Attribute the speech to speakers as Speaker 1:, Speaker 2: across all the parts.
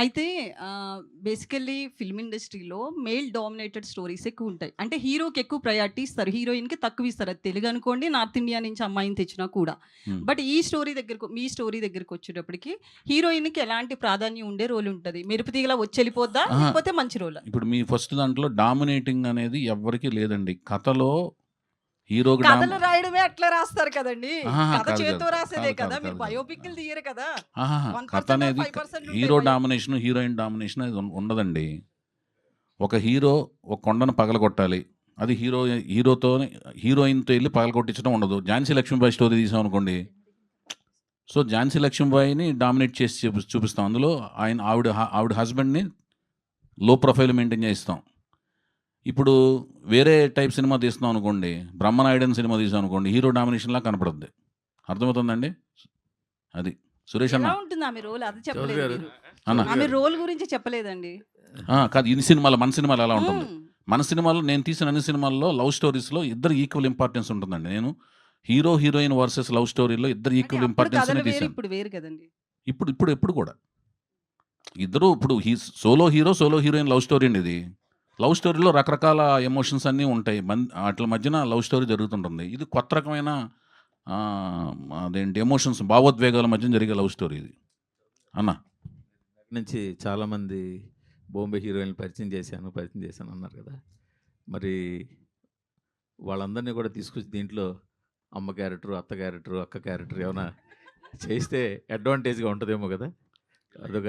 Speaker 1: అయితే basically film ఇండస్ట్రీలో male dominated stories ఎక్కువుంటాయి. అంటే హీరోకి ఎక్కువ ప్రయారిటీ ఇస్తారు. హీరోయిన్‌కి తక్కువ ఇస్తారు. అది తెలుగు అనుకోండి, నార్త్ ఇండియా నుంచి అమ్మాయిని తెచ్చినా కూడా.
Speaker 2: హ్మ్.
Speaker 1: బట్ ఈ స్టోరీ దగ్గరకు మీ స్టోరీ దగ్గరకొచ్చేటప్పటికి హీరోయిన్‌కి ఎలాంటి ప్రాధాన్యం ఉండే రోల్ ఉంటది? మెరుపు తీగలా వచ్చెళ్ళిపోద్దా?
Speaker 2: అహా!
Speaker 1: లేకపోతే మంచి రోలా?
Speaker 2: ఇప్పుడు మీ ఫస్ట్ దాంట్లో డామినేటింగ్ అనేది ఎవ్వరికీ లేదండి. కథలో హీరోకి
Speaker 1: కథలు రాయడమే అట్లా రాస్తారు కదండీ!
Speaker 2: అహాహా!
Speaker 1: కథ
Speaker 2: కాదు.
Speaker 1: చేత్తో రాసేదే
Speaker 2: కాదు.
Speaker 1: కదా!
Speaker 2: కాదు.
Speaker 1: మీరు
Speaker 2: కాదు. కాదు.
Speaker 1: బయోపిక్‌లు తీయరు కదా!
Speaker 2: ఆహాహా! కథ
Speaker 1: 1% ఆర్
Speaker 2: అనేది
Speaker 1: 5% ఉంటాయి
Speaker 2: హీరో
Speaker 1: బయో
Speaker 2: డామినేషన్, హీరోయిన్ డామినేషన్ అనేది ఉండదండి. ఒక హీరో ఒక కొండను పగలగొట్టాలి. అది హీరోతోని హీరోయిన్‌తో ఎళ్లి పగలగొట్టించడం ఉండదు. 'ఝాన్సీ లక్ష్మీబాయి' స్టోరీ తీసామనుకోండి. సో, 'ఝాన్సీ లక్ష్మీబాయిని' డామినేట్ చేసి చూపిస్తాం. అందులో ఆవిడ హస్బెండ్‌ని లో ప్రొఫైల్ మెయింటైన్ చేయిస్తాం. ఇప్పుడు వేరే టైప్ సినిమా తీస్తున్నాం అనుకోండి. 'బ్రహ్మనాయుడు' సినిమా తీసామనుకోండి. హీరో డామినేషన్‌లా కనపడుద్ది. అర్థమవుతుందండి? అది. సురేష్ అన్న.
Speaker 1: ఎలా ఉంటుంది ఆమె రోల్? అది
Speaker 3: చౌదరి
Speaker 1: చెప్పలేదు
Speaker 3: గారు,
Speaker 1: మీరు.
Speaker 2: అన్న.
Speaker 3: చౌదరి
Speaker 1: ఆమె
Speaker 3: గారు.
Speaker 1: రోల్ గురించి చెప్పలేదండి.
Speaker 2: కాదు. మన సినిమాలో ఎలా ఉంటుంది?
Speaker 1: హ్మ్.
Speaker 2: మన సినిమాలో నేను తీసిన అన్ని సినిమాల్లో లవ్ స్టోరీస్‌లో ఇద్దరు ఈక్వల్ ఇంపార్టెన్స్ ఉంటుందండి. నేను హీరో, హీరోయిన్ వర్సెస్ లవ్ స్టోరీలో ఇద్దరు
Speaker 1: అంటే
Speaker 2: ఈక్వల్
Speaker 1: అప్పుడు
Speaker 2: ఇంపార్టెన్స్‌నే
Speaker 1: కథలు వేరు,
Speaker 2: తీశాను.
Speaker 1: ఇప్పుడు వేరు కదండీ!
Speaker 2: ఎప్పుడు కూడా. ఇద్దరు ఇప్పుడు solo hero, solo heroine love story అండి ఇది. లవ్ స్టోరీలో రకరకాల ఎమోషన్స్ అన్నీ ఉంటాయి. ఆటిల మధ్యన లవ్ స్టోరీ జరుగుతుంటుంది. ఇది కొత్త రకమైన అదేంటి ఎమోషన్స్, భావోద్వేగాల మధ్యన జరిగే లవ్ స్టోరీ ఇది. అన్న.
Speaker 3: నుంచి చాలామంది బాంబే హీరోయిన్‌లు పరిచయం చేశాను అన్నారు కదా! మరి వాళ్ళందరినీ కూడా తీసుకొచ్చి దీంట్లో అమ్మ క్యారెక్టరు, అత్త క్యారెక్టరు, అక్క క్యారెక్టర్ ఏమైనా చేస్తే అడ్వాంటేజ్‌గా ఉంటదేమో కదా! అదొక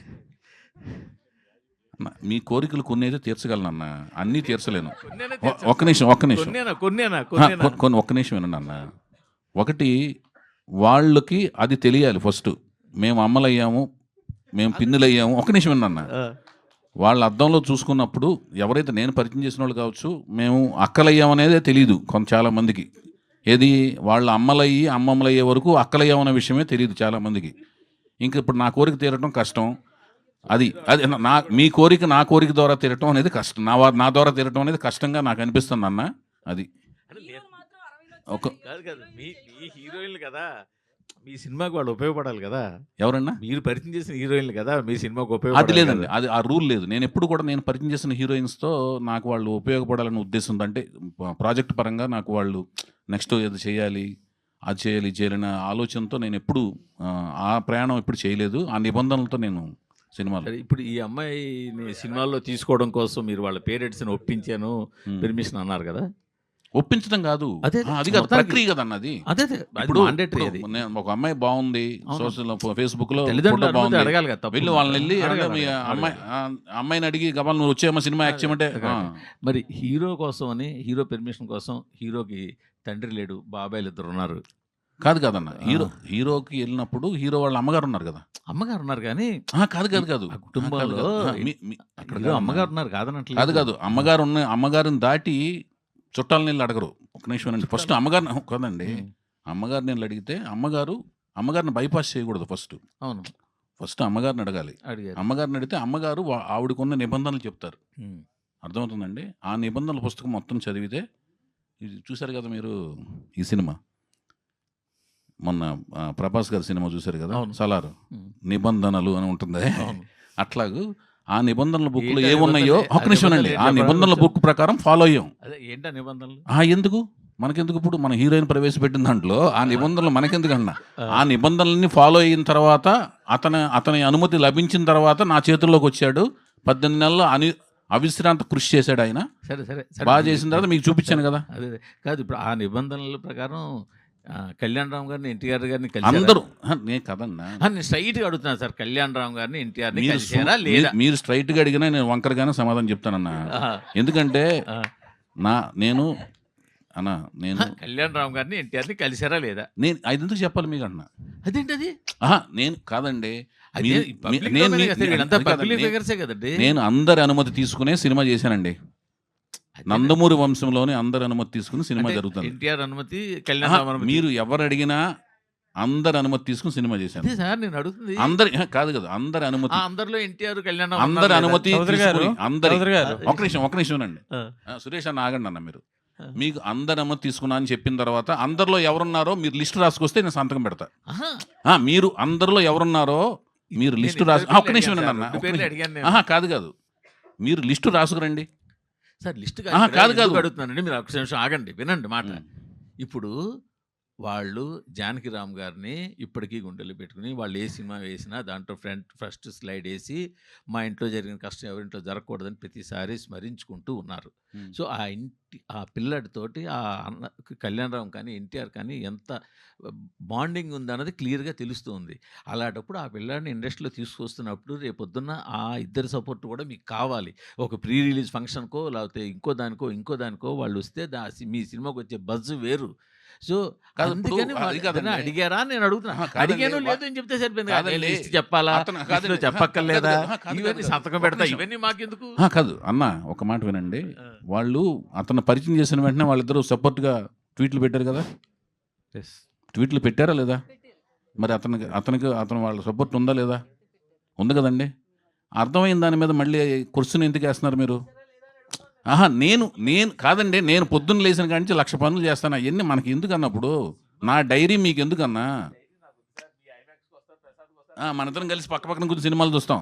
Speaker 2: అన్న, మీ కోరికలు కొన్నైతే తీర్చగలనన్న. అన్నీ తీర్చలేను.
Speaker 3: కొన్నేనా
Speaker 2: ఒక్క నిమిషం.
Speaker 3: కొన్నేనా?
Speaker 2: ఒక్క నిమిషం వినండి అన్న. ఒకటి, వాళ్ళకి అది తెలియాలి ఫస్టు. మేము అమ్మలయ్యాము, మేము పిన్నులయ్యాము. ఒక్క నిమిషం వినండి అన్న.
Speaker 3: ఆ!
Speaker 2: వాళ్ళ అద్దంలో చూసుకున్నప్పుడు ఎవరైతే నేను పరిచయం చేసినోళ్ళు కావచ్చు, మేము అక్కలయ్యామనేదే తెలీదు చాలామందికి. ఏది వాళ్ళ అమ్మలయ్యి, అమ్మమ్మలయ్యే వరకు అక్కలయ్యామనే విషయమే తెలీదు చాలామందికి. ఇంక ఇప్పుడు నా కోరిక తీరటం కష్టం. అది అది మీ కోరిక నా కోరిక ద్వారా తీరటం అనేది కష్టం. నా ద్వారా తీరటం అనేది కష్టంగా నాకు అనిపిస్తుందన్న. అది.
Speaker 3: అంటే
Speaker 1: హీరోలు మాత్రం 60లో
Speaker 2: ఒక
Speaker 3: కాదు. మీ హీరోయిన్‌లు కదా! మీ సినిమాకి వాళ్ళు ఉపయోగపడాలి కదా!
Speaker 2: ఎవరన్నా?
Speaker 3: మీరు పరిచయం చేసిన హీరోయిన్‌లు కదా! మీ సినిమాకి
Speaker 2: అది
Speaker 3: ఉపయోగపడాలి
Speaker 2: లేదండి.
Speaker 3: కదా!
Speaker 2: అది ఆ రూల్ లేదు. నేనెప్పుడు కూడా నేను పరిచయం చేసిన హీరోయిన్స్‌తో నాకు వాళ్ళు ఉపయోగపడాలనే ఉద్దేశంతో, అంటే ప్రాజెక్ట్ పరంగా నాకు వాళ్ళు నెక్స్ట్ ఏదో చేయాలి, అది చేయాలి, ఇది చేయాలనే ఆలోచనతో నేనెప్పుడు ఆ ప్రయాణం ఎప్పుడు చేయలేదు. ఆ నిబంధనలతో నేను సినిమాలో.
Speaker 3: సరే ఇప్పుడు ఈ అమ్మాయిని సినిమాల్లో తీసుకోవడం కోసం మీరు వాళ్ళ పేరెంట్స్‌ని ఒప్పించాను,
Speaker 2: హ్మ్.
Speaker 3: పర్మిషన్ అన్నారు కదా!
Speaker 2: ఒప్పించడం కాదు.
Speaker 3: అదే
Speaker 2: అది కాదు.
Speaker 3: మొత్తానికి
Speaker 2: ప్రక్రియ కదన్న అది.
Speaker 3: అదే
Speaker 2: ఇప్పుడు
Speaker 3: మాండేటరీ అది.
Speaker 2: నేను ఒక అమ్మాయి బాగుంది.
Speaker 3: అవును.
Speaker 2: ఫేస్‌బుక్‌లో
Speaker 3: తల్లిదండ్రుల
Speaker 2: ఫోటో
Speaker 3: అనుమతి
Speaker 2: బాగుంది.
Speaker 3: అడగాలి కదా!
Speaker 2: వెళ్ళి
Speaker 3: తప్పుందా?
Speaker 2: వాళ్ళనెళ్లి అంటే మీ
Speaker 3: అడగాలి.
Speaker 2: అమ్మాయిని అడిగి గబాల్న నువ్వు వచ్చేయమ్మా సినిమా యాక్ట్ చేయమంటే
Speaker 3: అడగాలి. మరి హీరో కోసం అని హీరో పర్మిషన్ కోసం హీరోకి తండ్రి లేడు, బాబాయిలు ఇద్దరు ఉన్నారు.
Speaker 2: కాదు కాదన్న.
Speaker 3: ఆ!
Speaker 2: హీరోకి ఎళ్ళినప్పుడు హీరో వాళ్ళ అమ్మగారు ఉన్నారు కదా!
Speaker 3: అమ్మగారు ఉన్నారు కానీ
Speaker 2: కాదు.
Speaker 3: ఆ కుటుంబంలో
Speaker 2: కాదు. అక్కడ
Speaker 3: హీరో
Speaker 2: కాదన్న.
Speaker 3: అమ్మగారు ఉన్నారు కాదనట్లేదు.
Speaker 2: కాదు. అమ్మగారిని దాటి చుట్టాలనెళ్లి అడగరు. ఒక్క నిమిషం వినండి. ఫస్ట్ అమ్మగారిని కాదండి.
Speaker 3: హ్మ్.
Speaker 2: అమ్మగారిని ఎళ్లి అడిగితే అమ్మగారిని బైపాస్ చేయకూడదు ఫస్ట్.
Speaker 3: అవును.
Speaker 2: ఫస్ట్ అమ్మగారిని అడగాలి.
Speaker 3: అడిగారు.
Speaker 2: అమ్మగారిని అడిగితే అమ్మగారు ఆవిడకున్న నిబంధనలు చెప్తారు.
Speaker 3: హ్మ్.
Speaker 2: అర్థమవుతుందండి? ఆ నిబంధనల పుస్తకం మొత్తం చదివితే, ఇది చూసారు కదా మీరు ఈ సినిమా. మొన్న 'ప్రభాస్' గారి సినిమా చూసారు కదా!
Speaker 3: అవును.
Speaker 2: 'సలార్'
Speaker 3: హ్మ్.
Speaker 2: నిబంధనలు అని ఉంటుంది.
Speaker 3: అవును.
Speaker 2: అట్లాగూ ఆ నిబంధనల బుక్‌లో
Speaker 3: ఏంటి ఆ
Speaker 2: ఏమున్నాయో
Speaker 3: నిబంధనలు?
Speaker 2: ఒక్క
Speaker 3: ఆ
Speaker 2: నిమిషం
Speaker 3: నిబంధనలు
Speaker 2: వినండి.
Speaker 3: ఏంటి
Speaker 2: ఆ
Speaker 3: చెప్పరా
Speaker 2: నిబంధనల
Speaker 3: కొంచెం?
Speaker 2: బుక్ ప్రకారం ఫాలో అయ్యాం.
Speaker 3: అదే ఏంటా నిబంధనలు?
Speaker 2: ఎందుకు? మనకెందుకు, ఇప్పుడు మన హీరోయిన్ ప్రవేశపెట్టిన దాంట్లో ఆ నిబంధనలు మనకెందుకన్నా?
Speaker 3: ఆ!
Speaker 2: ఆ నిబంధనలన్నీ ఫాలో అయిన తర్వాత అతని అనుమతి లభించిన తర్వాత నా చేతుల్లోకొచ్చాడు. 18 నెలలు అవిశ్రాంత కృషి చేశాడాయన.
Speaker 3: సరే.
Speaker 2: చేసిన తర్వాత మీకు చూపిచ్చాను గదా!
Speaker 3: అదే. కాదు ఇప్పుడు ఆ నిబంధనల ప్రకారం కళ్యాణరామ్ గారిని, ఎన్టీఆర్ గారిని కలిసారా?
Speaker 2: అందరూ నేను కదన్నా.
Speaker 3: నేను స్ట్రెయిట్‌గా అడుగుతున్నాను సార్. కళ్యాణరామ్ గారిని, ఎన్టీఆర్‌ని
Speaker 2: మీరు
Speaker 3: కలిసారా లేదా?
Speaker 2: మీరు స్ట్రెయిట్‌గా అడిగినా నేను వంకరగానే సమాధానం చెప్తానన్నా.
Speaker 3: ఆహా!
Speaker 2: ఎందుకంటే
Speaker 3: ఆ!
Speaker 2: నేను అన్నా నేను
Speaker 3: కళ్యాణరామ్ గారిని, ఎన్టీఆర్‌ని కలిసారా లేదా?
Speaker 2: అదెందుకు చెప్పాలి మీకన్నా?
Speaker 3: అదేంటది?
Speaker 2: నేను కాదండి.
Speaker 3: అదే
Speaker 2: మీరు
Speaker 3: పబ్లిక్
Speaker 2: నేను
Speaker 3: డొమైనే కదా! వీళ్ళంతా
Speaker 2: అది కాదండి.
Speaker 3: పబ్లిక్ ఫిగర్సే కదండీ!
Speaker 2: నేను అందరి అనుమతి తీసుకునే సినిమా చేశానండి.
Speaker 3: అదేనండి.
Speaker 2: నందమూరి వంశంలోనే అందరి అనుమతి తీసుకుని సినిమా
Speaker 3: అంటే
Speaker 2: జరుగుతుంది.
Speaker 3: ఎన్టీఆర్ అనుమతి, కళ్యాణరామ్ అనుమతి.
Speaker 2: మీరు ఎవరు అడిగినా అందరి అనుమతి తీసుకుని సినిమా చేశాను.
Speaker 3: అదే సార్ నేను అడుగుతుంది.
Speaker 2: కాదు కదా, అందరి అనుమతి.
Speaker 3: అందరిలో ఎన్టీఆర్, కళ్యాణరామ్
Speaker 2: అందరి
Speaker 3: ఉన్నారు లేదా?
Speaker 2: అనుమతి
Speaker 4: చౌదరి గారు,
Speaker 2: తీసుకుని
Speaker 4: చౌదరి గారు.
Speaker 2: ఒక నిమిషం వినండి.
Speaker 3: ఆ!
Speaker 2: సురేష్ అన్న ఆగండి అన్న మీరు.
Speaker 3: ఆ.
Speaker 2: మీకు అందరి అనుమతి తీసుకున్నా అని చెప్పిన తర్వాత అందరిలో ఎవరున్నారో మీరు లిస్ట్ రాసుకొస్తే నేను సంతకం పెడతా.
Speaker 3: ఆహా!
Speaker 2: మీరు అందరిలో ఎవరున్నారో మీరు
Speaker 3: నేను
Speaker 2: లిస్టు
Speaker 3: ఇద్దరి
Speaker 2: రాసు
Speaker 3: పేర్లు
Speaker 2: ఒక్క నిమిషం
Speaker 3: అడిగాను
Speaker 2: వినండి
Speaker 3: సార్.
Speaker 2: అన్న,
Speaker 3: 2
Speaker 2: ఒక్క
Speaker 3: పేర్లు
Speaker 2: నిమిషం.
Speaker 3: అడిగాను నేను.
Speaker 2: ఆహా, కాదు. మీరు లిస్టు రాసుకురండి.
Speaker 3: సార్ లిస్ట్
Speaker 2: ఆహా, కాదు.
Speaker 3: ఎందుకు అడుగుతున్నానండి, మీరు ఒక్క నిమిషం ఆగండి, వినండి మాట.
Speaker 2: ఉమ్.
Speaker 3: ఇప్పుడు వాళ్ళు జానకిరామ్ గారిని ఇప్పటికీ గుండెలు పెట్టుకుని వాళ్ళు ఏ సినిమా వేసినా దాంట్లో ఫస్ట్ స్లైడ్ వేసి మా ఇంట్లో జరిగిన కష్టం ఎవరింట్లో జరగకూడదని ప్రతిసారి స్మరించుకుంటూ ఉన్నారు.
Speaker 2: ఉమ్.
Speaker 3: సో ఆ పిల్లడితోటి ఆ అన్న కళ్యాణరామ్ కానీ ఎన్టీఆర్ కానీ ఎంత బాండింగ్ ఉందన్నది క్లియర్గా తెలుస్తుంది. అలాంటప్పుడు ఆ పిల్లాడిని ఇండస్ట్రీలో తీసుకొస్తున్నప్పుడు రేపొద్దున్న ఆ ఇద్దరి సపోర్ట్ కూడా మీకు కావాలి. ఒక ప్రీ రిలీజ్ ఫంక్షన్కో లేకపోతే ఇంకో దానికో వాళ్ళు వస్తే మీ సినిమాకి వచ్చే బజ్ వేరు. సో
Speaker 2: కాదు, ఇప్పుడు
Speaker 3: అందుకని
Speaker 2: అది కాదండి.
Speaker 3: అడిగారా అని నేను అడుగుతున్నా.
Speaker 2: ఆహా, కాదండి.
Speaker 3: అడిగాను లేదు అని చెప్తే సరిపోయింది.
Speaker 2: కాదండి.
Speaker 3: లిస్ట్ చెప్పాలా,
Speaker 2: అతను
Speaker 3: లిస్టులో
Speaker 2: కాదండి.
Speaker 3: చెప్పక్కర్లేదా,
Speaker 2: కాదు.
Speaker 3: ఇవన్నీ సంతకం
Speaker 2: ఒక్క
Speaker 3: పెడతా,
Speaker 2: నిమిషం.
Speaker 3: ఇవన్నీ మాకెందుకు?
Speaker 2: కాదు అన్న, ఒక మాట వినండి. వాళ్ళు అతను పరిచయం చేసిన వెంటనే వాళ్ళిద్దరూ సపోర్ట్గా ట్వీట్లు పెట్టారు కదా. ట్వీట్లు పెట్టారా లేదా? మరి అతను వాళ్ళ సపోర్ట్ ఉందా లేదా? ఉంది కదండి. అర్థమైన దాని మీద మళ్ళీ క్వశ్చన్ ఎందుకు వేస్తున్నారు మీరు? ఆహా, నేను కాదండి, నేను పొద్దున్న లేచిన కాడి నుంచి 1,00,000 పనులు చేస్తాను. అవన్నీ మనకి ఎందుకు అన్నప్పుడు? నా డైరీ మీకు ఎందుకన్నా? మనిద్దరం కలిసి పక్కన కూర్చొని సినిమాలు చూస్తాం.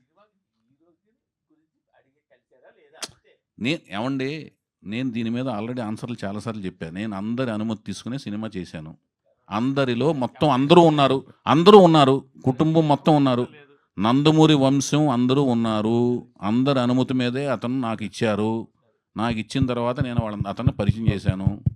Speaker 2: ఏమండి, నేను దీని మీద ఆల్రెడీ ఆన్సర్లు చాలాసార్లు చెప్పాను. నేను అందరి అనుమతి తీసుకునే సినిమా చేశాను. అందరిలో మొత్తం అందరూ ఉన్నారు, కుటుంబం మొత్తం ఉన్నారు, నందమూరి వంశం అందరూ ఉన్నారు. అందరి అనుమతి మీదే అతను నాకు ఇచ్చారు. నాకు ఇచ్చిన తర్వాత నేను అతన్ని పరిచయం చేశాను.